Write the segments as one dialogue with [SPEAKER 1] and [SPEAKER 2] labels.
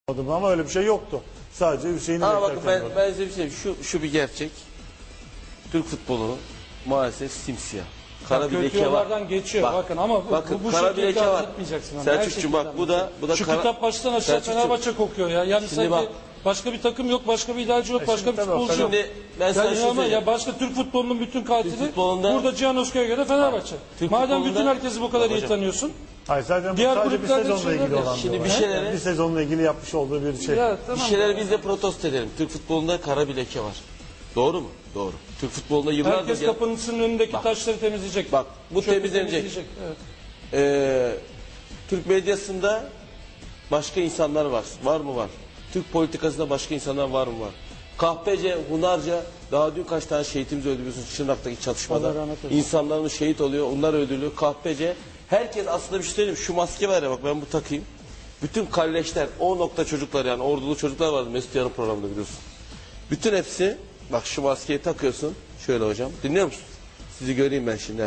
[SPEAKER 1] Ama öyle bir şey yoktu. Sadece Hüseyin'i
[SPEAKER 2] Bakın
[SPEAKER 1] beklerken
[SPEAKER 2] ben size bir şey şu bir gerçek. Türk futbolu maalesef simsiyah. Kara bir leke var.
[SPEAKER 3] Geçiyor bakın ama bu
[SPEAKER 2] kara bir leke var. Selçukcuğum bak bu da
[SPEAKER 3] şu kitap baştan aşağı Fenerbahçe kokuyor ya. Yani
[SPEAKER 2] şimdi
[SPEAKER 3] sanki
[SPEAKER 2] bak,
[SPEAKER 3] başka bir takım yok, başka bir idareci yok, başka bir futbolcu yok.
[SPEAKER 2] Şimdi ben sana
[SPEAKER 3] Yani ama ya başka Türk futbolunun bütün katili burada Cihan Özkaya göre Fenerbahçe. Madem bütün herkesi bu kadar iyi tanıyorsun.
[SPEAKER 1] Hayır zaten
[SPEAKER 3] diğer
[SPEAKER 1] sadece bir sezonla ilgili olan.
[SPEAKER 2] Şimdi
[SPEAKER 1] bir sezonla ilgili yapmış olduğu bir şey.
[SPEAKER 3] Ya, tamam
[SPEAKER 2] bir şeyleri biz de protesto edelim. Türk futbolunda kara bir leke var. Doğru mu? Doğru. Türk futbolunda yıllardır...
[SPEAKER 3] Herkes kapının önündeki taşları temizleyecek.
[SPEAKER 2] Bak bu temizlenecek.
[SPEAKER 3] Evet.
[SPEAKER 2] Türk medyasında başka insanlar var. Var mı? Var. Türk politikasında başka insanlar var mı? Var. Kahpece, Hunarca, daha dün kaç tane şehitimiz öldü biliyorsunuz Şırnak'taki çatışmada. İnsanlarımız şehit oluyor, onlar öldürülüyor. Kahpece, herkes aslında bir şey söyleyeyim. Şu maske var ya bak ben bu takayım. Bütün kalleşler, o nokta çocuklar yani ordulu çocuklar vardı Mesut Yarın programında biliyorsun. Bütün hepsi, bak şu maskeyi takıyorsun. Şöyle hocam, dinliyor musun? Sizi göreyim ben şimdi.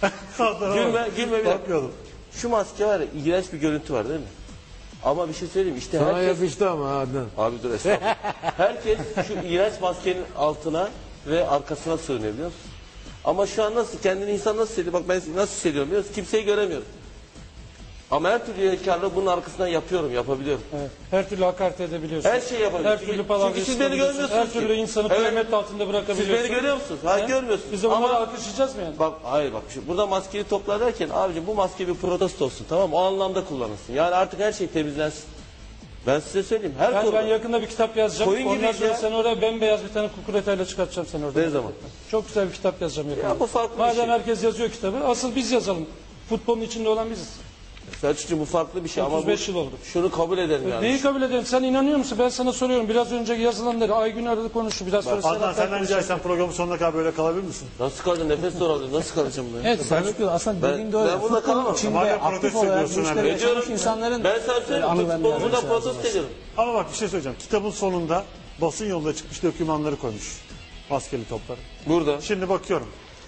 [SPEAKER 2] Gülme bir dakika. Şu maske var ya, iğrenç bir görüntü var değil mi? Ama bir şey söyleyeyim işte
[SPEAKER 4] sana
[SPEAKER 2] herkes...
[SPEAKER 4] yapıştı ama Adnan.
[SPEAKER 2] Abi dur estağfurullah. Herkes şu iğrenç maskenin altına ve arkasına sığınıyor biliyor musun? Ama şu an nasıl, kendini insan nasıl hissediyor? Bak ben nasıl hissediyorum biliyor musun? Kimseyi göremiyorum. Ama her türlü yelkarlığı bunun arkasından yapabiliyorum.
[SPEAKER 3] Evet. Her türlü hakaret edebiliyorsun.
[SPEAKER 2] Her şeyi yapabiliyorsun.
[SPEAKER 3] Her türlü palavra
[SPEAKER 2] çünkü siz beni görmüyorsunuz.
[SPEAKER 3] Her türlü insanı kıyamet altında bırakabiliyorsun.
[SPEAKER 2] Siz beni görüyor musunuz? Hayır görmüyorsunuz.
[SPEAKER 3] Biz de bunları alkışlayacağız mı yani?
[SPEAKER 2] Bak hayır bak burada maskeyi toplar derken abicim bu maske bir protesto olsun tamam mı? O anlamda kullanılsın. Yani artık her şey temizlensin. Ben size söyleyeyim.
[SPEAKER 3] Ben yakında bir kitap yazacağım. Ondan sonra sen oraya bembeyaz bir tane kukuretayla çıkartacağım seni orada.
[SPEAKER 2] Ne zaman?
[SPEAKER 3] Çok güzel bir kitap yazacağım yakında.
[SPEAKER 2] Ya bu farklı
[SPEAKER 3] Madem
[SPEAKER 2] bir şey.
[SPEAKER 3] herkes yazıyor kitabı, asıl biz yazalım. Futbolun içinde olan biziz.
[SPEAKER 2] Selçukcuğum bu farklı bir şey
[SPEAKER 3] 35 yıl oldu.
[SPEAKER 2] Şunu kabul edelim yani.
[SPEAKER 3] Neyi kabul edelim? Sen inanıyor musun? Ben sana soruyorum. Biraz önce yazılanları Aygün aradı konuştu. Biraz sonra
[SPEAKER 1] Adnan senden rica etsem programın sonuna kadar böyle kalabilir misin?
[SPEAKER 2] Nasıl kalacağım? Nefes zor alıyor. Nasıl kalacağım ben?
[SPEAKER 5] Evet Selçuk aslında dediğin doğru.
[SPEAKER 2] Ben burada kalamam.
[SPEAKER 5] İçinde aktif olarak bu işleri yaşamış insanların
[SPEAKER 2] ben sana söyleyeyim. Futbolumda protesto ediyorum.
[SPEAKER 1] Ama bak bir şey söyleyeceğim. Kitabın sonunda basın yolunda çıkmış dokümanları koymuş. Maskeli topları.
[SPEAKER 2] Burada.
[SPEAKER 1] Şimdi bakıyorum.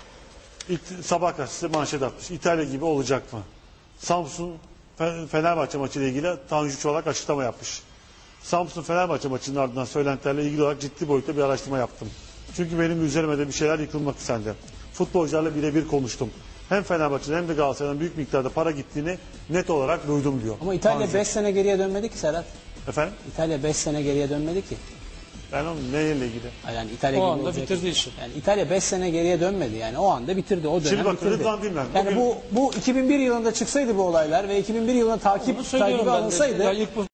[SPEAKER 1] Sabah gazetesi manşet atmış. İtalya gibi olacak mı? Samsun Fenerbahçe maçı ile ilgili Tanju Çolak açıklama yapmış. Samsun Fenerbahçe maçının ardından söylentilerle ilgili olarak ciddi boyutta bir araştırma yaptım. Çünkü benim üzerime de bir şeyler yıkılmak istendi. Futbolcularla birebir konuştum. Hem Fenerbahçe'den hem de Galatasaray'dan büyük miktarda para gittiğini net olarak duydum diyor.
[SPEAKER 5] Ama İtalya 5 sene geriye dönmedi ki Serhat.
[SPEAKER 1] Efendim?
[SPEAKER 5] İtalya 5 sene geriye dönmedi ki.
[SPEAKER 1] Ben onun neyle ilgili?
[SPEAKER 5] Yani İtalya
[SPEAKER 3] o
[SPEAKER 5] gibi
[SPEAKER 3] anda bitirdi işi.
[SPEAKER 5] Yani İtalya 5 sene geriye dönmedi yani o anda bitirdi o dönem
[SPEAKER 1] şimdi bak,
[SPEAKER 5] bitirdi. Yani
[SPEAKER 1] bugün...
[SPEAKER 5] bu 2001 yılında çıksaydı bu olaylar ve 2001 yılında takibi alınsaydı